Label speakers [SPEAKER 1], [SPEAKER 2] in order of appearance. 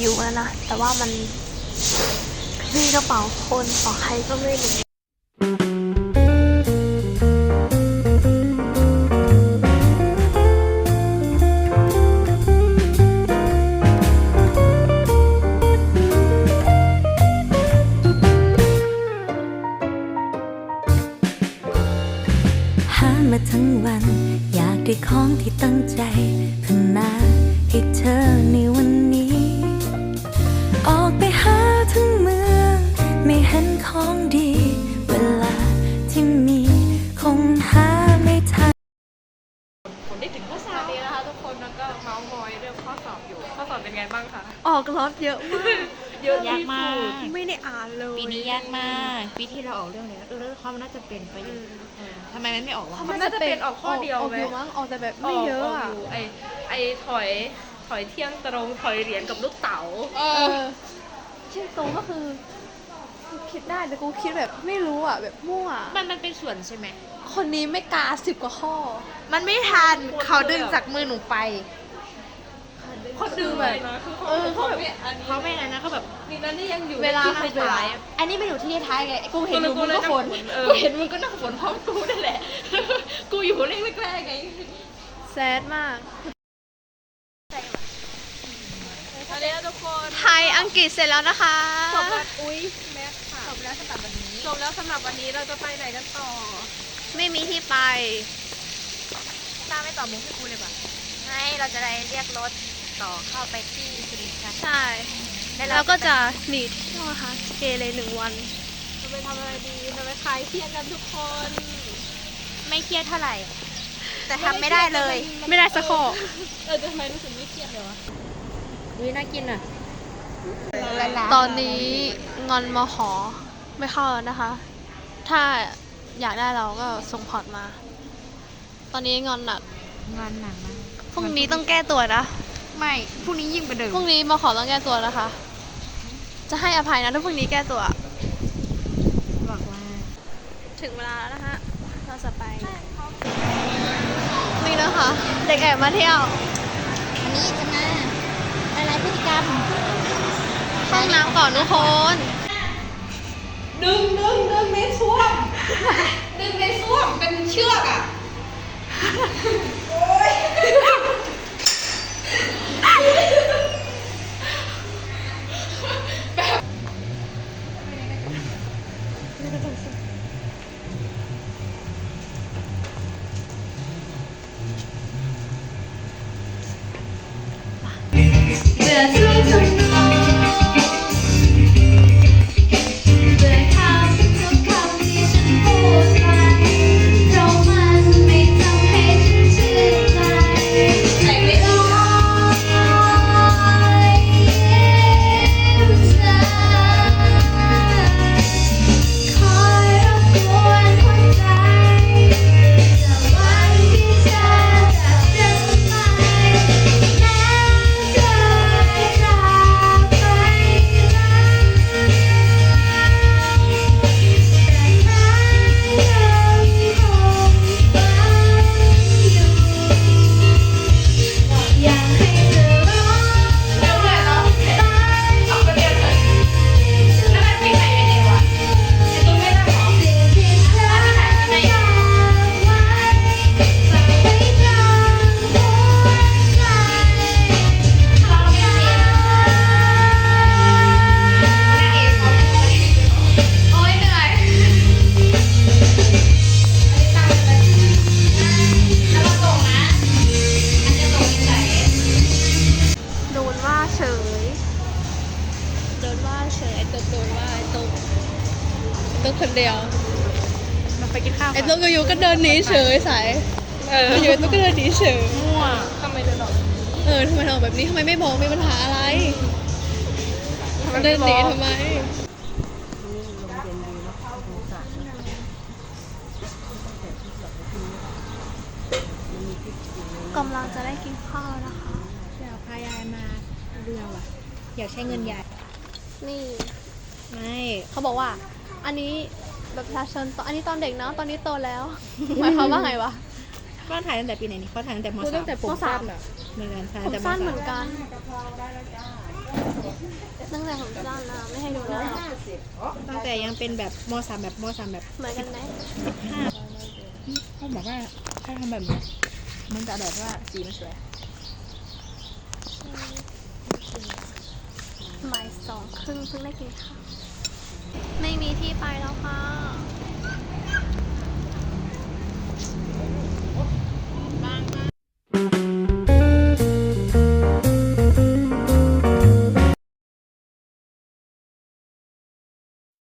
[SPEAKER 1] อยู่นะแต่ว่ามันมีกระเป๋าคนของใครก็ไม่รู้
[SPEAKER 2] มาทั้งวันอยากได้ของที่ตั้งใจพัฒนาให้เธอในวันนี้ออกไปหาทั้งเมืองไม่เห็นของดีเวลาที่มีคงหาไม่ทัน
[SPEAKER 3] ผมได้ถึงข้อสอบนี้นะคะทุกคนแล้วก็เมาส์มอยเรื่องข้อสอบอยู่ข้อสอบเป็นไงบ้างคะ
[SPEAKER 1] ออกรถเยอะมาก
[SPEAKER 3] เยอะ
[SPEAKER 4] ยากมาก
[SPEAKER 1] ไม่ได้อ่านเลย
[SPEAKER 4] ปีนี้ยากมากปีที่เราออกเรื่องอะไรเรื่องความน่าจะเป็นไปอยู่ทำไมมันไม่ออกวะ
[SPEAKER 3] มันน่าจะเป็นออกข้อเดียวไหม
[SPEAKER 1] มั้งออกแต่แบบไม่เยอะอ่ะ
[SPEAKER 3] ยู่ไอถอยเที่ยงตรงถอยเหรียญกับลูกเต๋า
[SPEAKER 1] เช่นตรงก็คือกูคิดได้แต่กูคิดแบบไม่รู้อ่ะแบบมั่ว
[SPEAKER 4] มันเป็นส่วนใช่ไหม
[SPEAKER 1] คนนี้ไม่กา10 กว่าข้อ
[SPEAKER 4] มันไม่ทันเขาดึงจากมือหนูไป
[SPEAKER 3] คนดึงแบบเขาแบบ
[SPEAKER 4] เขาไม่นั้นนะเขาแบบ
[SPEAKER 3] นี่นั่นนี่ยังอยู่
[SPEAKER 1] เวลา
[SPEAKER 3] ที่ท้าย
[SPEAKER 4] อันนี้ไม่อยู่ที่ท้ายไงกูเห็นมึงก็ฝน
[SPEAKER 3] กูเห็นมึงก็นั่งฝนพร้อมกูนั่นแหละ กูอยู่เลขแรกๆไง
[SPEAKER 1] แซดมาก
[SPEAKER 3] อันนี้ทุกคน
[SPEAKER 1] ไทยอังกฤษเสร็จแล้วนะคะ
[SPEAKER 3] จบแล้วอุ้ยแม็กค่ะจบแล้วสำหรับวันนี้จบแล้วสำหรับวันนี้เราจะไปไหนกันต่อ
[SPEAKER 1] ไม่มีที่ไป
[SPEAKER 4] ตาไม่ต่อมุกให้กูเลยป่ะไม่เราจะได้เรียกรถต่อเข้าไปที่สุรินทร์
[SPEAKER 1] ใช่แล้วก็จะหนีเที่ยวนะคะเกเร1 วัน
[SPEAKER 3] จะไปทำอะไรดีจะไปคลายเครียดกันทุกคน
[SPEAKER 4] ไม่เครียดเท่าไหร่ แต่ทำไม่ได้เลย
[SPEAKER 1] ไม่ได้สักข้อ
[SPEAKER 3] ทำไมรู้สึกไม่เครียดเลยวะ
[SPEAKER 4] อุ้ยน่ากินอ่ะ
[SPEAKER 1] ตอนนี้งอนมขอไม่เข้าแล้วนะคะ ถ้าอยากได้เราก็ส่งพอร์ตมา ตอนนี้งอนหนัก
[SPEAKER 4] งานหนักมาก
[SPEAKER 1] พรุ่งนี้ต้องแก้ตัวนะ
[SPEAKER 4] ไม่พรุ่งนี้ยิ่งกว่าเดิม
[SPEAKER 1] พรุ่งนี้มขอต้องแก้ตัวนะคะ จะให้อภัยนะถ้าพรุ่งนี้แก้ตัว
[SPEAKER 4] บอกว่า
[SPEAKER 1] ถึงเวลาแล้วนะคะ เราจะไป นี่นะคะ เด็กแอบมาเที่ยว
[SPEAKER 4] วันนี้จะมาอะไรพฤติกรรม
[SPEAKER 1] ห้องน้ำก่อนทุกคน
[SPEAKER 3] ดึงในส้วม ดึงในส้วมเป็นเชือกอ่ะ
[SPEAKER 2] เบื่อทุกคนมองเบื่อคำทุกคำที่ฉันพูดไปเพราะมันไม่ทำให้ฉันชื่นใจใจไม่ลอยยิ้มเธอคอยรบกวนหัวใจแต่วันที่เธอจากฉันไปแม้เธอจากไปอยากให้เธอร้องตายสิ่งที่เธอฝากไว้ฝากไว้กลางหัวใจโอ๊ยเหนื่อยแล้วมาส่งนะอันจะส่งที่ไหน
[SPEAKER 1] โดนว่าเฉย โดนว่าเฉย ไอ้ตุ๊กโดนว่าไอ้ตุ๊กคนเดียว
[SPEAKER 4] มาไปกินข้าว
[SPEAKER 1] ไอ้ตุ๊กอยู่ก็เดินหนีเฉยสายอยู่ไอ้ตุ๊กก็เดินหนีเฉย
[SPEAKER 4] มั่ว
[SPEAKER 3] ทำไมเดินออก
[SPEAKER 1] ทำไมทำแบบนี้ทำไมไม่บอกมีปัญหาอะไร เดินหนีทำไม กำลังจะได้กินข้าวนะคะ
[SPEAKER 4] อยากพายายมาเรือว่ะ อยากใช้เงินยาย
[SPEAKER 1] นี่
[SPEAKER 4] ไม่
[SPEAKER 1] เขาบอกว่า อันนี้แบบประชาชนอันนี้ตอนเด็กเนาะตอนนี้โตแล้ว หมายความว่าไงวะ
[SPEAKER 3] ว่าถ่ายตั้งแต่ปีไหนนี่เขาถ่ายตั้งแต่ม
[SPEAKER 5] คือตั้งแต่ผมสั้นอ่ะ
[SPEAKER 3] เหมือนกันถ่าย
[SPEAKER 1] ผ
[SPEAKER 3] ตั้ง
[SPEAKER 1] ม
[SPEAKER 3] แต่ม
[SPEAKER 1] สั้นเห
[SPEAKER 3] สา
[SPEAKER 1] มื
[SPEAKER 3] ม
[SPEAKER 1] อนกันตั้งแต่ผมสั้นนะไม่ให้ดูหน้า
[SPEAKER 3] ตั้งแต่ยังเป็นแบบมสามแบบมสามแบบ
[SPEAKER 1] เหมือนกันไหม
[SPEAKER 5] เขาบอกว่าถ้าทำแบบนี้มันจะแบบว่าสีมันสวย
[SPEAKER 1] บ่าย2 ครึ่งเพิ่งได้กินข้าวไม่มีที่ไปแล้วค่ะ